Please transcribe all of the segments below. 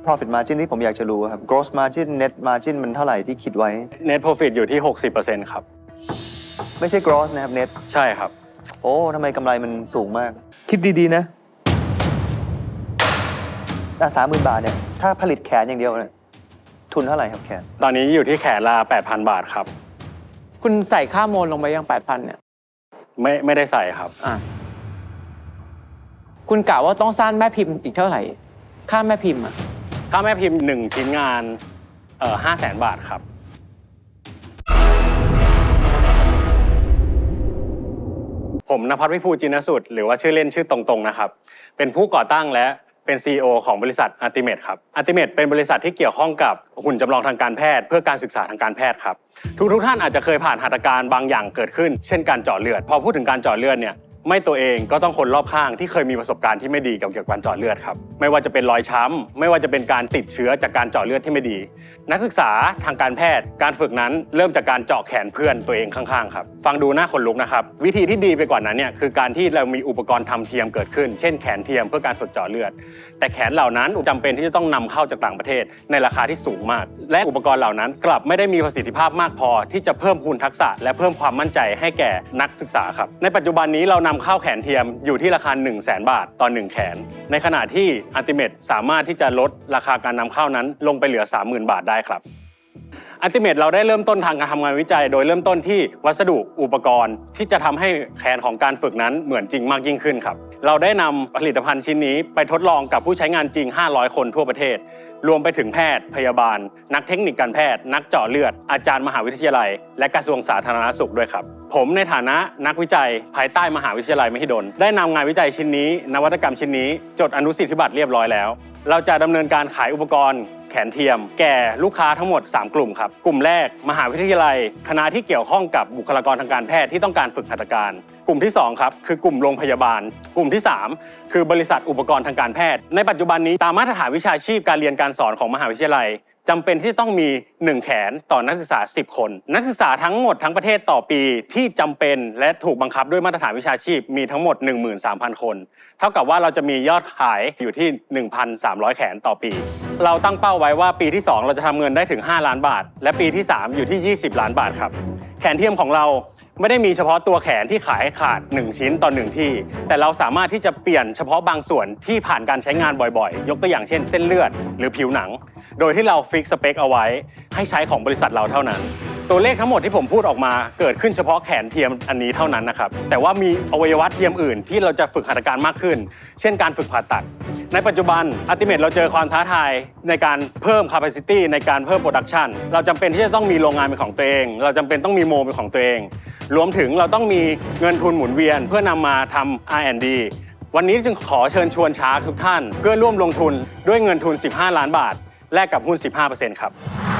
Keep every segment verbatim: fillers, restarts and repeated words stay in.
profit margin ที่ผมอยากจะรู้ครับ gross margin net margin มันเท่าไหร่ที่คิดไว้ net profit อยู่ที่ หกสิบเปอร์เซ็นต์ ครับไม่ใช่ gross นะครับ net ใช่ครับโอ้ทำไมกำไรมันสูงมากคิดดีๆนะสามหมื่นบาทเนี่ยถ้าผลิตแขนอย่างเดียวเนี่ยทุนเท่าไหร่ครับแขนตอนนี้อยู่ที่แขนละ แปดพัน บาทครับคุณใส่ค่าโมลลงไปยัง แปดพัน เนี่ยไม่ไม่ได้ใส่ครับอ่ะคุณกะว่าต้องสร้างแม่พิมพ์อีกเท่าไหร่ค่าแม่พิมพ์อ่ะค่าแม่พิมพ์หนึ่งชิ้นงานเอ่อห้าแสนบาทครับผมณภัทร วิภูจินสุดหรือว่าชื่อเล่นชื่อตรงๆนะครับเป็นผู้ก่อตั้งและเป็น ซี อี โอ ของบริษัท Ultimate ครับ Ultimate เป็นบริษัทที่เกี่ยวข้องกับหุ่นจำลองทางการแพทย์เพื่อการศึกษาทางการแพทย์ครับทุกทุกท่านอาจจะเคยผ่านหัตถการบางอย่างเกิดขึ้นเช่นการเจาะเลือดพอพูดถึงการเจาะเลือดเนี่ยไม่ตัวเองก็ต้องคนรอบข้างที่เคยมีประสบการณ์ที่ไม่ดีกับเกี่ยวกับการเจาะเลือดครับไม่ว่าจะเป็นรอยช้ำไม่ว่าจะเป็นการติดเชื้อจากการเจาะเลือดที่ไม่ดีนักศึกษาทางการแพทย์การฝึกนั้นเริ่มจากการเจาะแขนเพื่อนตัวเองข้างๆครับฟังดูน่าขนลุกนะครับวิธีที่ดีไปกว่านั้นเนี่ยคือการที่เรามีอุปกรณ์ทำเทียมเกิดขึ้นเช่นแขนเทียมเพื่อการฝึกเจาะเลือดแต่แขนเหล่านั้นจำเป็นที่จะต้องนำเข้าจากต่างประเทศในราคาที่สูงมากและอุปกรณ์เหล่านั้นกลับไม่ได้มีประสิทธิภาพมากพอที่จะเพิ่มพูนทักษะและเพิ่มความมั่นใจให้แก่นักศึกษาครับในปัจจุบันนี้เรานำเข้าแขนเทียมอยู่ที่ราคา หนึ่งแสน บาทต่อหนึ่งแขนในขณะที่ Ultimate สามารถที่จะลดราคาการนำเข้านั้นลงไปเหลือ สามหมื่น บาทได้ครับ Ultimate เราได้เริ่มต้นทางการทำงานวิจัยโดยเริ่มต้นที่วัสดุอุปกรณ์ที่จะทำให้แขนของการฝึกนั้นเหมือนจริงมากยิ่งขึ้นครับเราได้นำผลิตภัณฑ์ชิ้นนี้ไปทดลองกับผู้ใช้งานจริงห้าร้อยคนทั่วประเทศรวมไปถึงแพทย์พยาบาลนักเทคนิคการแพทย์นักเจาะเลือดอาจารย์มหาวิทยาลัยและกระทรวงสาธารณสุขด้วยครับผมในฐานะนักวิจัยภายใต้มหาวิทยาลัยมหิดลได้นำงานวิจัยชิ้นนี้นวัตกรรมชิ้นนี้จดอนุสิทธิบัตรเรียบร้อยแล้วเราจะดำเนินการขายอุปกรณ์แขนเทียมแก่ลูกค้าทั้งหมดสามกลุ่มครับกลุ่มแรกมหาวิทยาลัยคณะที่เกี่ยวข้องกับบุคลากรทางการแพทย์ที่ต้องการฝึกหัตถการกลุ่มที่สองครับคือกลุ่มโรงพยาบาลกลุ่มที่สามคือบริษัทอุปกรณ์ทางการแพทย์ในปัจจุบันนี้ตามมาตรฐานวิชาชีพการเรียนการสอนของมหาวิทยาลัยจำเป็นที่ต้องมีหนึ่งแขนต่อนักศึกษาสิบคนนักศึกษาทั้งหมดทั้งประเทศต่อปีที่จำเป็นและถูกบังคับด้วยมาตรฐานวิชาชีพมีทั้งหมด หนึ่งหมื่นสามพัน คนเท่ากับว่าเราจะมียอดขายอยู่ที่ หนึ่งพันสามร้อย แขนต่อปีเราตั้งเป้าไว้ว่าปีที่สองเราจะทำเงินได้ถึงห้าล้านบาทและปีที่สามอยู่ที่ยี่สิบล้านบาทครับแขนเทียมของเราไม่ได้มีเฉพาะตัวแขนที่ขายขาดหนึ่งชิ้นต่อหนึ่งที่แต่เราสามารถที่จะเปลี่ยนเฉพาะบางส่วนที่ผ่านการใช้งานบ่อยๆยกตัวอย่างเช่นเส้นเลือดหรือผิวหนังโดยที่เราฟิกสเปคเอาไว้ให้ใช้ของบริษัทเราเท่านั้นตัวเลขทั้งหมดที่ผมพูดออกมาเกิดขึ้นเฉพาะแขนเทียมอันนี้เท่านั้นนะครับแต่ว่ามีอวัยวะเทียมอื่นที่เราจะฝึกหัตถการมากขึ้นเช่นการฝึกผ่าตัดในปัจจุบัน Ultimate เราเจอความท้าทายในการเพิ่ม capacity ในการเพิ่ม production เราจำเป็นที่จะต้องมีโรงงานเป็นของตัวเองเราจำเป็นต้องมีโมเป็นของตัวเองรวมถึงเราต้องมีเงินทุนหมุนเวียนเพื่อนำมาทำ อาร์ แอนด์ ดี วันนี้จึงขอเชิญชวนชาร์กทุกท่านเพื่อร่วมลงทุนด้วยเงินทุนสิบห้าล้านบาทแลกกับหุ้น สิบห้าเปอร์เซ็นต์ ครับ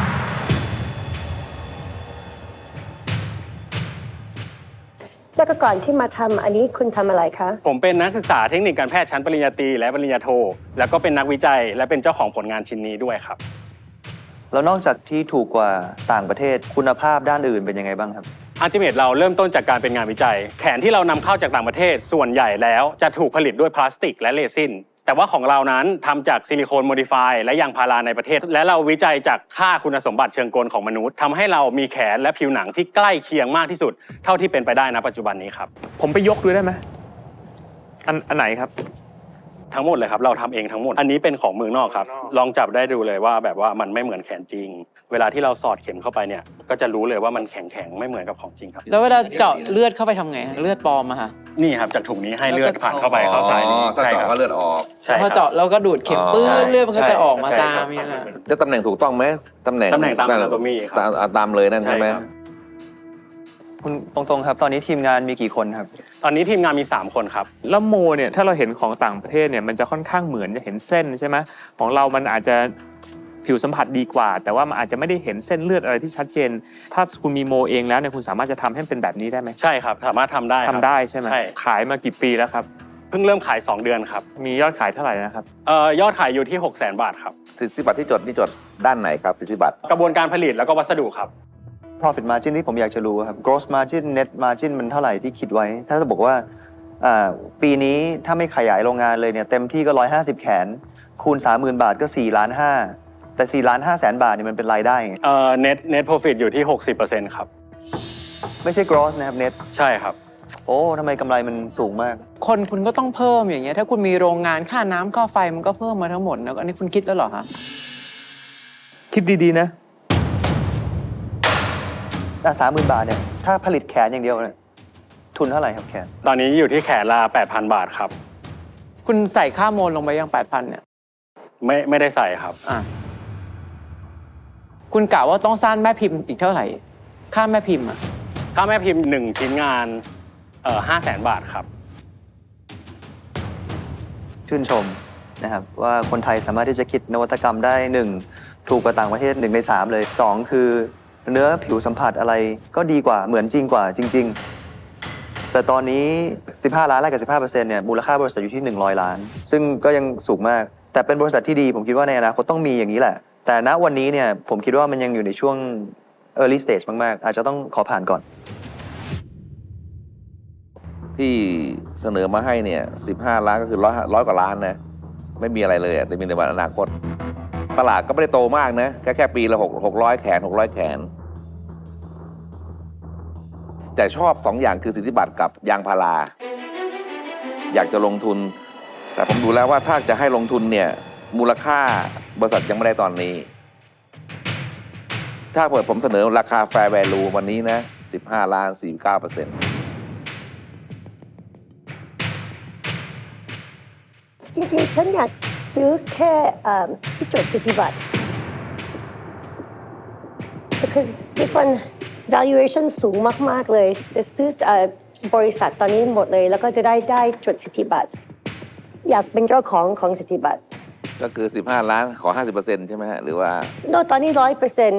แล้วก็ก่อนที่มาทำอันนี้คุณทำอะไรคะผมเป็นนักศึกษาเทคนิคการแพทย์ชั้นปริญญาตรีและปริญญาโทแล้วก็เป็นนักวิจัยและเป็นเจ้าของผลงานชิ้นนี้ด้วยครับแล้วนอกจากที่ถูกกว่าต่างประเทศคุณภาพด้านอื่นเป็นยังไงบ้างครับ Ultimate เราเริ่มต้นจากการเป็นงานวิจัยแขนที่เรานำเข้าจากต่างประเทศส่วนใหญ่แล้วจะถูกผลิตด้วยพลาสติกและเรซินแต่ว่าของเรานั้นทำจากซิลิโคนโมดิฟายและยางพาราในประเทศและเราวิจัยจากค่าคุณสมบัติเชิงกลของมนุษย์ทำให้เรามีแขนและผิวหนังที่ใกล้เคียงมากที่สุดเท่าที่เป็นไปได้ณปัจจุบันนี้ครับผมไปยกด้วยได้ไหมอันอันไหนครับทั้งหมดเลยครับเราทำเองทั้งหมดอันนี้เป็นของเมืองนอกครับลองจับได้ดูเลยว่าแบบว่ามันไม่เหมือนแขนจริงเวลาที่เราสอดเข็มเข้าไปเนี่ยก็จะรู้เลยว่ามันแข็งๆไม่เหมือนกับของจริงครับแล้วเวลาเจาะเลือดเข้าไปทำไงเลือดปลอมอะค่ะนี่ครับจากถุงนี้ให้เลือดผ่านเข้าไปเข้าสายนี้ใช่ครับก็เลือดออกพอเจาะแล้วก็ดูดเข็มปื้นเลือดมันก็จะออกมาตามนี่แหละจะตำแหน่งถูกต้องไหมตำแหน่งตำแหน่งตามอนาโตมีครับตามเลยนั่นใช่ไหมคุณตรงๆครับตอนนี้ทีมงานมีกี่คนครับตอนนี้ทีมงานมีสามคนครับแล้วโมเนี่ยถ้าเราเห็นของต่างประเทศเนี่ยมันจะค่อนข้างเหมือนจะเห็นเส้นใช่ไหมของเรามันอาจจะผิวสัมผัสดีกว่าแต่ว่ามันอาจจะไม่ได้เห็นเส้นเลือดอะไรที่ชัดเจนถ้าคุณมีโมเองแล้วเนี่ยคุณสามารถจะทำให้เป็นแบบนี้ได้ไหมใช่ครับสามารถทำได้ทำได้ใช่ไหมขายมากี่ปีแล้วครับเพิ่งเริ่มขายสองเดือนครับมียอดขายเท่าไหร่นะครับเอ่อยอดขายอยู่ที่ หกแสน บาทครับสิทธิบัตรที่จดนี่จดด้านไหนครับสิทธิบัตรกระบวนการผลิตแล้วก็วัสดุครับ profit margin ที่ผมอยากจะรู้ครับ gross margin net margin มันเท่าไหร่ที่คิดไว้ถ้าจะบอกว่าอ่าปีนี้ถ้าไม่ขยายโรงงานเลยเนี่ยเต็มที่ก็หนึ่งร้อยห้าสิบแขนคูณ สามหมื่น บาทก็สี่ล้านห้าแต่สี่ล้านห้าแสนบาทเนี่ยมันเป็นรายได้ไงเอ่อ net net profit อยู่ที่ หกสิบเปอร์เซ็นต์ ครับไม่ใช่ gross นะครับ net ใช่ครับโอ้ทำไมกำไรมันสูงมากคนคุณก็ต้องเพิ่มอย่างเงี้ยถ้าคุณมีโรงงานค่าน้ำค่าไฟมันก็เพิ่มมาทั้งหมดนะอันนี้คุณคิดแล้วเหรอฮะคิดดีๆนะสามหมื่นบาทเนี่ยถ้าผลิตแขนอย่างเดียวเนี่ยทุนเท่าไหร่ครับแขนตอนนี้อยู่ที่แขนละ แปดพัน บาทครับคุณใส่ค่าโมลลงไปยัง แปดพัน เนี่ยไม่ไม่ได้ใส่ครับอ่ะคุณกะว่าต้องสร้างแม่พิมพ์อีกเท่าไหร่ ค่าแม่พิมพ์อ่ะถ้าแม่พิมพ์หนึ่งชิ้นงานเอ่อห้าแสนบาทครับชื่นชมนะครับว่าคนไทยสามารถที่จะคิดนวัตกรรมได้หนึ่งถูกกว่าต่างประเทศหนึ่งในสามเลยสองคือเนื้อผิวสัมผัสอะไรก็ดีกว่าเหมือนจริงกว่าจริง ๆ แต่ตอนนี้สิบห้าล้านแรกกับ สิบห้าเปอร์เซ็นต์ เนี่ยมูลค่าบริษัทอยู่ที่หนึ่งร้อยล้าน ซึ่งก็ยังสูงมากแต่เป็นบริษัทที่ดีผมคิดว่าในอนาคตต้องมีอย่างนี้แหละแต่ณวันนี้เนี่ยผมคิดว่ามันยังอยู่ในช่วง early stage มากๆอาจจะต้องขอผ่านก่อนที่เสนอมาให้เนี่ยสิบห้าล้านก็คือร้อยร้อยกว่าล้านนะไม่มีอะไรเลยอะแต่มีแต่วันอนาคตตลาดก็ไม่ได้โตมากนะแค่แค่ปีละหกหกร้อยแขนหกร้อยแขนแต่ชอบสองอย่างคือสิทธิบัตรกับยางพาราอยากจะลงทุนแต่ผมดูแล้วว่าถ้าจะให้ลงทุนเนี่ยมูลค่าบริษัทยังไม่ได้ตอนนี้ ถ้าเปิดผมเสนอราคา fair value วันนี้นะสิบห้าล้าน สี่สิบเก้าเปอร์เซ็นต์จริงๆ ฉันอยากซื้อแค่เอ่อที่จดสิทธิบัตร because this one valuation สูงมาก ๆ เลยจะซื้อเอ่อบริษัทตอนนี้หมดเลยแล้วก็จะได้ได้จดสิทธิบัตรอยากเป็นเจ้าของของสิทธิบัตรก็คือสิบห้าล้านขอ ห้าสิบเปอร์เซ็นต์ ใช่ไหมฮะหรือว่าโนตอนนี้ร้อยเปอร์เซ็นต์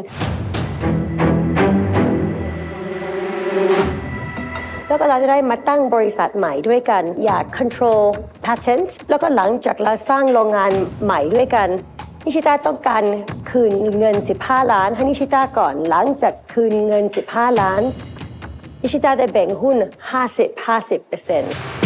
แล้วก็เราจะได้มาตั้งบริษัทใหม่ด้วยกัน อยาก control patent แล้วก็หลังจากเราสร้างโรงงานใหม่ด้วยกันนิชิต้าต้องการคืนเงินสิบห้าล้านให้นิชิต้าก่อนหลังจากคืนเงินสิบห้าล้านนิชิต้าได้แบ่งหุ้นห้าสิบ ห้าสิบเปอร์เซ็นต์